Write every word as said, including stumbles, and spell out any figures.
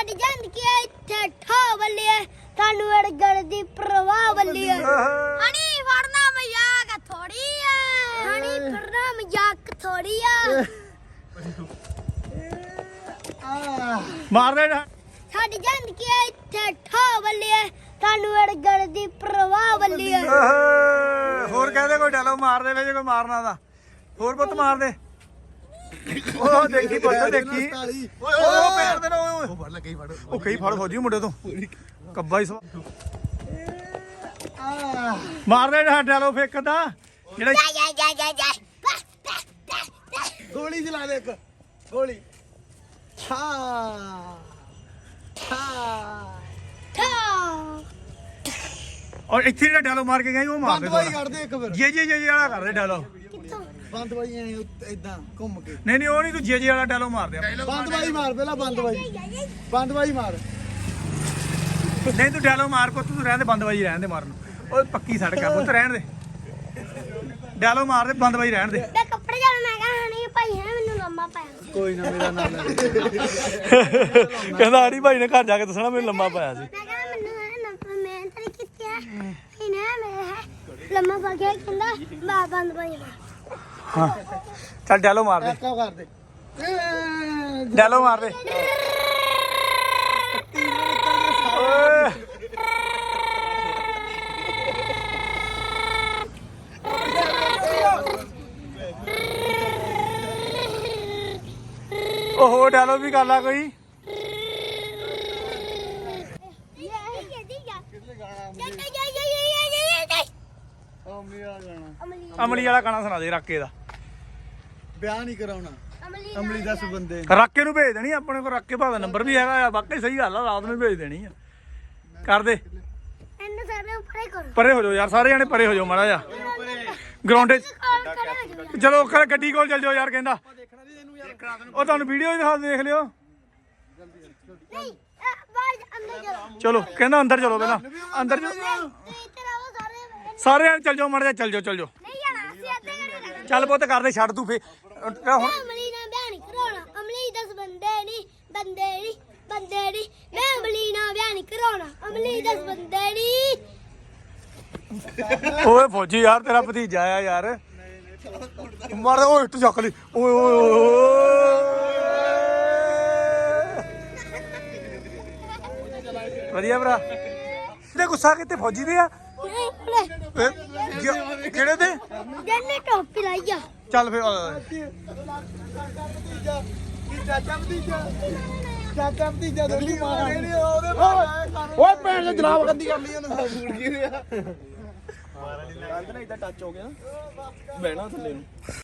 ਸਾਡੀ ਜ਼ਿੰਦਗੀ ਇੱਥੇ ਠਾ ਵੱਲਿਆ ਸਾਨੂੰ ਅੜਗੜ ਦੀ ਪ੍ਰਵਾਹ ਵੱਲਿਆ ਹਣੀ ਫੜਨਾ ਮਜ਼ਾਕ ਥੋੜੀ ਆ ਹਣੀ ਫੜਨਾ ਮਜ਼ਾਕ ਥੋੜੀ ਆ ਮਾਰ ਦੇ ਸਾਡੀ ਜ਼ਿੰਦਗੀ ਇੱਥੇ ਠਾ ਵੱਲਿਆ ਸਾਨੂੰ ਅੜਗੜ ਦੀ ਪ੍ਰਵਾਹ ਵੱਲਿਆ ਹੋਰ ਕਹਦੇ ਕੋਈ ਡਾਲੋ ਮਾਰ ਦੇ ਜੇ ਕੋਈ ਮਾਰਨਾ ਦਾ ਹੋਰ ਪੁੱਤ ਮਾਰ ਦੇ ਉਹ ਦੇਖੀ ਪੁੱਤ ਦੇਖੀ ਉਹ ਪੈਰ ਦੇ ਉਹ ਫੜ ਲੈ ਕਈ ਫੜ ਉਹ ਕਈ ਫੜ ਫੌਜੀ ਮੁੰਡੇ ਤੋਂ ਕੱਬਾ ਹੀ ਮਾਰ ਦੇ ਡਾਲੋ ਫੇਕਦਾ ਜਿਹੜਾ ਜਾ ਜਾ ਜਾ ਜਾ ਗੋਲੀ ਚਲਾ ਦੇ ਇੱਕ ਗੋਲੀ ਛਾ ਛਾ ਠਾ ਔਰ ਇੱਥੇ ਜਿਹੜਾ ਡਾਲੋ ਮਾਰ ਕੇ ਗਏ ਉਹ ਮਾਰ ਦੇ ਬੰਦ ਕੱਢ ਦੇ ਇੱਕ ਫਿਰ ਜੇ ਜੇ ਜੇ ਵਾਲਾ ਕਰ ਦੇ ਡਾਲੋ ਕਿੱਥੋਂ ਬੰਦ ਬਾਈ ਐ ਇਦਾਂ ਘੁੰਮ ਕੇ ਨਹੀਂ ਨਹੀਂ ਉਹ ਨਹੀਂ ਤੂੰ ਜੇ ਜੇ ਵਾਲਾ ਡਾਲੋ ਮਾਰ ਦੇ ਬੰਦ ਬਾਈ ਮਾਰ ਪਹਿਲਾਂ ਬੰਦ ਬਾਈ ਬੰਦ ਬਾਈ ਮਾਰ ਨਹੀਂ ਤੂੰ ਡਾਲੋ ਮਾਰ ਪੁੱਤ ਤੂੰ ਰਹਿਣ ਦੇ ਬੰਦ ਬਾਈ ਰਹਿਣ ਦੇ ਮਾਰਨ ਉਹ ਪੱਕੀ ਸੜਕ ਆ ਪੁੱਤ ਰਹਿਣ ਦੇ ਡਾਲੋ ਮਾਰ ਦੇ ਬੰਦ ਬਾਈ ਰਹਿਣ ਦੇ ਮੈਂ ਕੱਪੜੇ ਜਾਣਾ ਮੈਂ ਕਹਾਂ ਨਹੀਂ ਭਾਈ ਹੈ ਮੈਨੂੰ ਲੰਮਾ ਪਾਇਆ ਕੋਈ ਨਾ ਮੇਰਾ ਨਾਮ ਲੈ ਕਹਿੰਦਾ ਆੜੀ ਭਾਈ ਨੇ ਘਰ ਜਾ ਕੇ ਦੱਸਣਾ ਮੈਨੂੰ ਲੰਮਾ ਪਾਇਆ ਸੀ ਮੈਂ ਕਹਾਂ ਮੈਨੂੰ ਹੈ ਲੰਮਾ ਮੈਂ ਤਾਂ ਕੀਤੀ ਹੈ ਇਹਨੇ ਮੈਂ ਹੈ ਲੰਮਾ ਪਾ ਕੇ ਕਹਿੰਦਾ ਬਾ ਬੰਦ ਭਾਈ ਹਾਂ ਚੱਲ ਡਾਲੋ ਮਾਰ ਦੇ ਕਾ ਕਰ ਦੇ ਡਾਲੋ ਮਾਰ ਦੇ ਓਏ ਉਹ ਡਾਲੋ ਵੀ ਕਰ ਲਾ ਕੋਈ ਅਮਲੀ ਆ ਜਾਣਾ ਅਮਲੀ ਵਾਲਾ ਗਾਣਾ ਸੁਣਾ ਦੇ ਰਾਕੇ ਦਾ ਵਿਆਹ ਨਹੀਂ ਕਰਾਉਣਾ ਅਮਲੀ ਦਸ ਬੰਦੇ ਰਾਕੇ ਨੂੰ ਭੇਜ ਦੇਣੀ ਆਪਣੇ ਕੋਲ ਰਾਕੇ ਭਾਅ ਦਾ ਨੰਬਰ ਵੀ ਹੈਗਾ ਆ ਵਾਕਈ ਸਹੀ ਗੱਲ ਆ ਰਾਤ ਨੂੰ ਭੇਜ ਦੇਣੀ ਆ ਕਰ ਦੇ ਇਹਨੂੰ ਸਾਰੇ ਉੱਪਰੇ ਕਰੋ ਪਰੇ ਹੋ ਜਾਓ ਯਾਰ ਸਾਰੇ ਜਣੇ ਪਰੇ ਹੋ ਜਾਓ ਮਾੜਾ ਜਾ ਗਰਾਊਂਡ 'ਚ ਚਲੋ ਕਰ ਗੱਡੀ ਕੋਲ ਚੱਲ ਜਾਓ ਯਾਰ ਕਹਿੰਦਾ ਉਹ ਤੁਹਾਨੂੰ ਵੀਡੀਓ ਹੀ ਦਿਖਾ ਦੇਖ ਲਿਓ ਨਹੀਂ ਬਾਹਰ ਅੰਦਰ ਚਲੋ ਚਲੋ ਕਹਿੰਦਾ ਅੰਦਰ ਚਲੋ ਪਹਿਲਾਂ ਅੰਦਰ ਜਾ- ਇੱਧਰ ਆਓ ਸਾਰੇ ਸਾਰੇ ਜਣੇ ਚੱਲ ਜਾਓ ਮਾੜਾ ਜਾ ਚੱਲ ਜਾਓ ਚੱਲ ਜਾਓ ਨਹੀਂ ਜਾਣਾ ਅਸੀਂ ਅੱਧੇ ਘੰਟੇ ਰਹਿਣਾ ਚੱਲ ਪੁੱਤ ਕਰਦੇ ਛੱਡ ਤੂੰ ਫੇ ਹੁਣ ਅਮਲੀ ਨਾਲ ਵਿਆਹ ਨਹੀਂ ਕਰਾਉਣਾ ਅਮਲੀ ਦਸ ਬੰਦੇ ਨਹੀਂ ਬੰਦੇ ਨਹੀਂ ਬੰਦੇ ਨਹੀਂ ਮੈਂ ਅਮਲੀ ਨਾਲ ਵਿਆਹ ਨਹੀਂ ਕਰਾਉਣਾ ਅਮਲੀ ਦਸ ਬੰਦੇ ਨਹੀਂ ਓਏ ਫੌਜੀ ਯਾਰ ਤੇਰਾ ਭਤੀਜਾ ਆ ਯਾਰ ਮਾਰ ਓਏ ਇੱਟ ਚੱਕ ਲਈ ਓਏ ਓਏ ਓਏ ਵਧੀਆ ਭਰਾ ਤੇ ਗੁੱਸਾ ਕਿਤੇ ਫੌਜੀ ਦੇ ਆ ਕਿਹੜੇ ਦੇ ਜੰਨੇ ਟੋਪੀ ਲਾਈ ਆ ਚੱਲ ਫੇ ਚਾਚਾ ਭਤੀਜਾ ਚਾਚਾ ਭਤੀਜਾ ਦੋਲੀ ਮਾਰ ਉਹਦੇ ਓਏ ਭੈਣ ਨੇ ਜਨਾਬ ਗੰਦੀ ਕਰ ਲਈ ਉਹਨੇ ਫੂਡ ਕੀ ਹੋਇਆ ਮਾਰਨ ਲਈ ਕੰਧ ਨਾਲ ਇਦਾਂ ਟੱਚ ਹੋ ਗਿਆ ਨਾ ਬਹਿਣਾ ਥੱਲੇ ਨੂੰ